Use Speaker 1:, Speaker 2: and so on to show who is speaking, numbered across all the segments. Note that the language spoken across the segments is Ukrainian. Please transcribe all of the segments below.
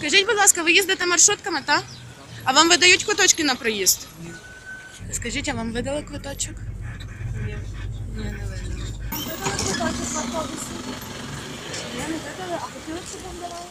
Speaker 1: Скажіть, будь ласка, ви їздите маршрутками, так? А вам видають квиточки на проїзд? Скажіть, а вам видали квиточок? Ні. Ні, не видали.
Speaker 2: Видали квиточок в автобусі? Ні, не видали, а хотіли, щоб вам давали?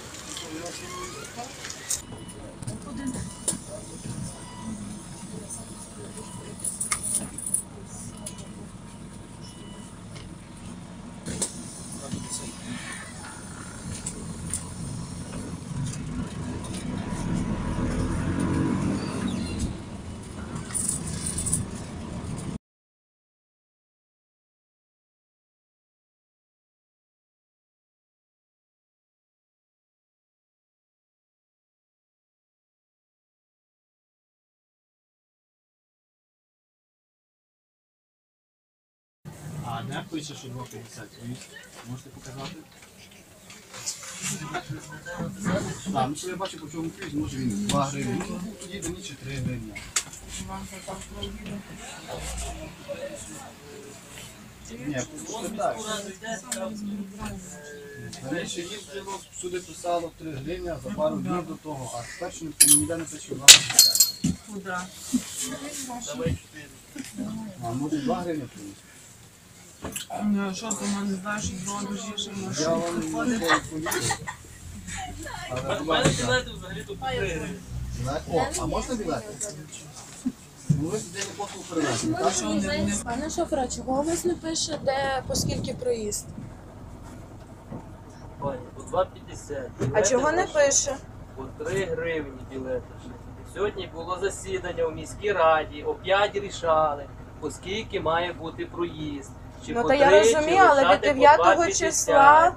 Speaker 3: А де пише, що 2,50? Можете показати? Так, ну що я бачу, по чому п'ють, може він 2 гривні. Ну, тоді до ніч 3 гривні. Ні, просто так. Раніше їздило, всюди писало 3 гривні, а за пару днів до того. А тепер що ніде не пише 2,50.
Speaker 1: Куди?
Speaker 3: А може 2 гривні приїзд?
Speaker 1: Ну, що ти мене знаєш, що дрон дужіше
Speaker 3: Я вам не повідомлю. Але білети взагалі тут 3 гривні. О, а можна білети? Ну ви сюди не послуг перевезли, так?
Speaker 2: Пане шофера, чого у вас не пише, де, по скільки проїзд?
Speaker 4: Пані, по 2,50.
Speaker 2: А чого не пише?
Speaker 4: По 3 гривні білети. Сьогодні було засідання у міській раді, о 5 рішали, оскільки має бути проїзд. Чи
Speaker 2: Ну
Speaker 4: по
Speaker 2: то я
Speaker 4: 3,
Speaker 2: розумію,
Speaker 4: чи
Speaker 2: але
Speaker 4: лишати
Speaker 2: від
Speaker 4: по
Speaker 2: 9
Speaker 4: 2,50.
Speaker 2: числа,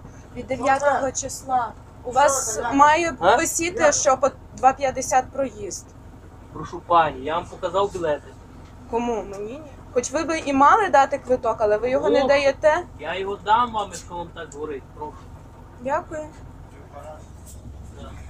Speaker 2: у вас має
Speaker 4: А?
Speaker 2: висіти, що по 2,50 проїзд.
Speaker 4: Прошу пані, я вам показав білети.
Speaker 2: Кому? Мені ні. Хоч ви би і мали дати квиток, але ви його не
Speaker 4: О.
Speaker 2: даєте.
Speaker 4: Я його дам вам, якщо вам так говорить. Прошу.
Speaker 2: Дякую.
Speaker 4: Да.